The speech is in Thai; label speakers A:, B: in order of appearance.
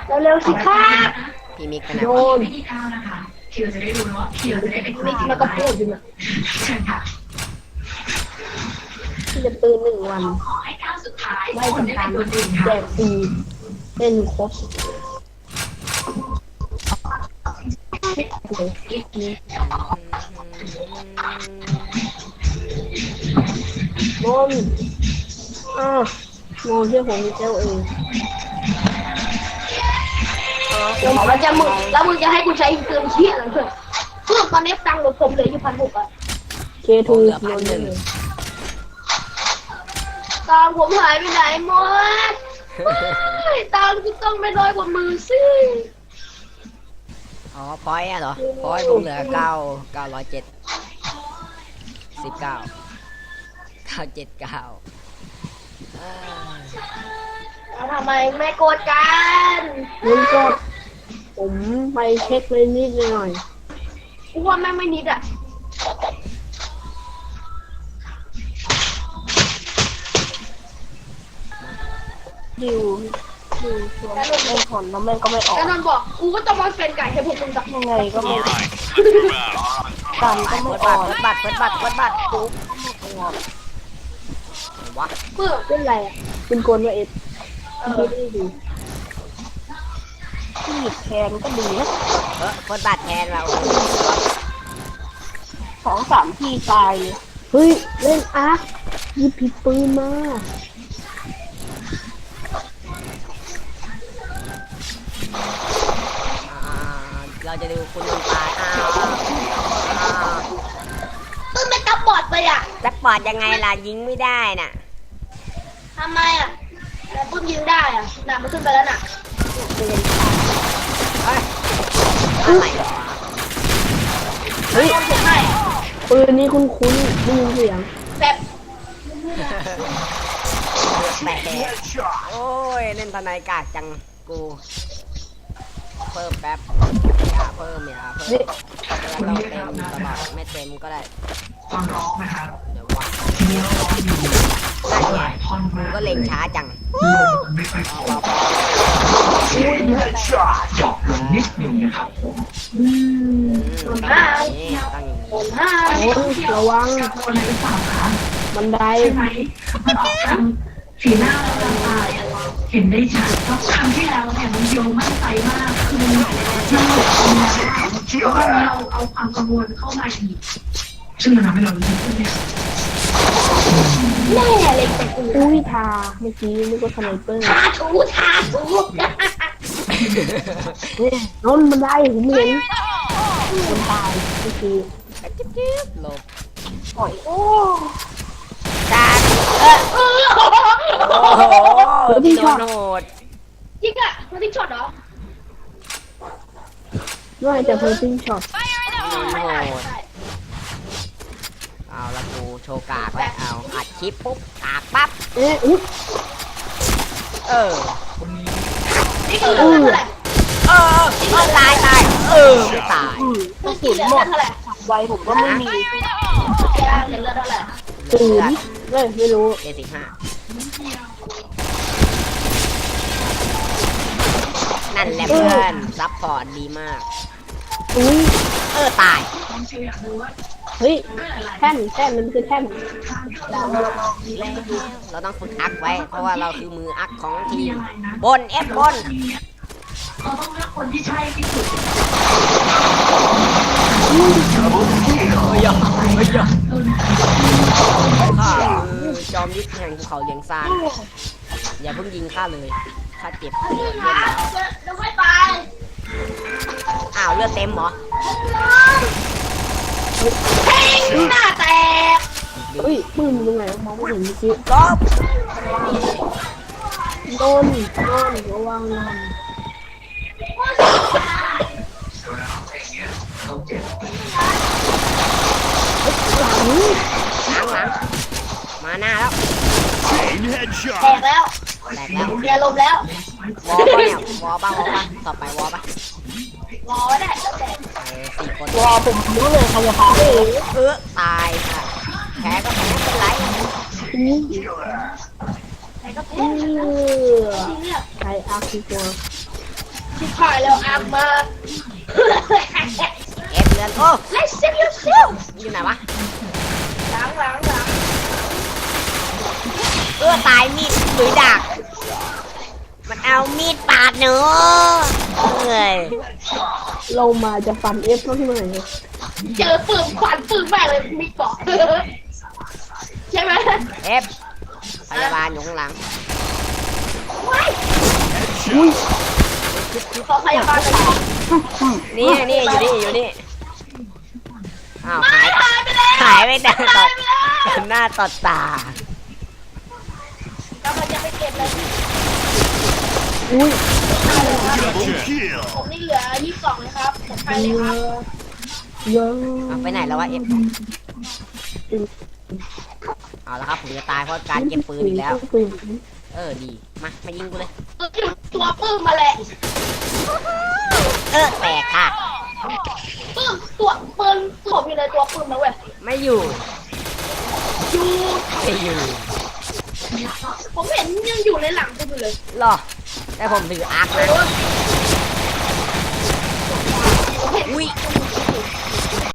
A: เร็วๆสิครับ
B: พี่มิกไปไหน
A: โย
B: วะ
A: นมิกแล้วก็พูดอยู่นะที่จะตื่น1 วัน ไม่ทำการแจกฟรีเล่นครบโมนโมนที่ผมเจ้าเองแล้วมึงจะให้กูใช้เติมเชี่ยอะไรเพื่อนตอนนี้ตังค์ผมเหลืออยู่1,600อ่ะเคทูโยนเลยตังค์ผมหายไปไหนหมดตังค์กูต้องไม่น้อยกว่ามือสิ
B: อ๋อพอยต์อะเหรอพอยต์ผมเหลือ907 19 979
A: แล้วทำไมไม่โกรธกันมึงกดผมไปเช็คเลยนิดหน่อยกูว่าแม่งไม่นิดอ่ะดิวชวนไม่ผลแล้วแม่งก็ไม่ออกแล้วนนบอกกูก็ต้องมาเป็นไก่ให้พวกมึงสักยังไงก็ไม่กันก็ไม่ออก
B: เปิดบัตรปุ๊บวะ
A: เพื่อเป็นไรอ่ะเป็นกลว่าเอ็ดคิดได้ดีที่หยิบแทนก็ดีนะ
B: เปิดบัตรแทนเรา
A: 2-3 ทีตายเลยเฮ้ยเล่นอาร์คหยิบผิดปืนมา
B: เราจะดูคุณตาย
A: ปืนเป็นตะบอดไปอ่ะ
B: จะปอดยังไงล่ะยิงไม่ได้น่ะ
A: ทำไมอ่ะแต่ปืนยิงได้อ่ะน่ะมันขึ้นไปแล้วน่ะ
B: อะไรวะ
A: เฮ้ยปืนนี้คุ้นๆได้ยินเสียงแบบ
B: แตกโอ้ยเล่นทนายกากจังกูเพิ่มแป๊บอย่าเพิ่มแล้วเราเต็มตลอดไม่เต็มก็ได้เดี๋ยววะนั่นไงมึงก็เล็งช้าจัง
A: ระวังบันได
C: สีหน้าเราตายเห็นได้ชัดเพราะครั้งที่แล้วเนี่ยมันโยงมั่นใจมากคือเราเอาความกังวลเข้ามาอีกซึ่งมันทำให้เรารู้สึกเนี่ย
A: แน่เลยแต่กูอุ้ยทาเมื่อกี้นึกว่าสไนเปอร์ทาถูนนมันได้ผมเห็นมันตายเมื่อกี้
B: จิ๊บหลบ
A: ปล่อยโอ้
B: การโอ้โหที่โดนโหด
A: จริงอะมันที่ช็อตเหรอไม่แต่เพิ่งซิงช็อต
B: โดนโหดเอาละกูโชว์กากแล้วเอาอัดคลิปปุ๊บกากปั๊บ
A: นี่คือเท่าไหร่
B: ตายไม่ตาย
A: ต้องสูญหมดไวผมก็ไม่มีเลือดเท่าไหร่0ไม่รู้
B: นั่นแหละเพื่อนซัพพอร์ตดีมากตาย
A: เฮ้ยแท่นมันคือแท่น
B: เราต้องฝึกอักไว้เพราะว่าเราคือมืออักของทีมบนบน
C: เราต้องเลือกคนที่ใช่ที่สุด
B: ข้าคือจอมยุทธแห่งภูเขาเลียงซานอย่าเพิ่งยิงข้าเลยข้าเจ็บเลือด
A: แล้วไม่ไป
B: อ้าวเลือดเต็มเหรอ
A: หน้าแตกเฮ้ยปืนตรงไหนมองไม่เห็นเมื่อกี้
B: ลบ
A: โดนระวัง
B: หลังมาหน้าแล้ว
A: แตกแล้วเบียร์ลมแล้ว
B: วอป่ะเนี่ยวอป่ะต่อไปวอป่ะ
A: วอได้แล้วแต่
B: 4 คน
A: วอผมรู้เลยใครจะพา
B: ตายค่ะแพ้ก็แพ้ไม่เป็นไร
A: ใครอาคีตัวชิบหายแล้วอัพมา
B: เอฟเลือนโอ้
A: Let's save yourself
B: อยู่ไหนวะ
A: ล้าง
B: ตายมีดหรือดาบมันเอามีดปาดหนูเอ้ย
A: เรามาจะฟันเอฟเท่าที่มันไหนเจอปืนขวานปืนแม่เลยมีเกาะใช่ไหม
B: เอฟพยาบาลอยู่ข้างหลัง
A: ขอพยาบาลไป
B: นี่อยู่นี่อ้าวหาย
A: ไปแล้ว
B: หายไปแต่ต่อหน้าต่อตา
A: กำลังจะไปเก็บเลย
D: Double kill.
A: ผมนี่เหลือ22เลยครับผมไปเลยครับ
B: เอาไปไหนแล้ววะเอฟเอาละครับผมจะตายเพราะการเก็บปืนอีกแล้วดีมายิงกูเลย
A: ตัวปื้มมาแหละ
B: แตกค่ะ
A: ปื้มตัวปืนผมอยู่ในตัวปื้มนะเว้ย
B: ไม่อยู่
A: อยู่
B: ไม่อยู่
A: ผมเห็นยังอยู่ในหลังปื้มอยู่เลย
B: หรอแต่ผมถืออาร์คนะ
A: ผมเห็น
B: อุ้ย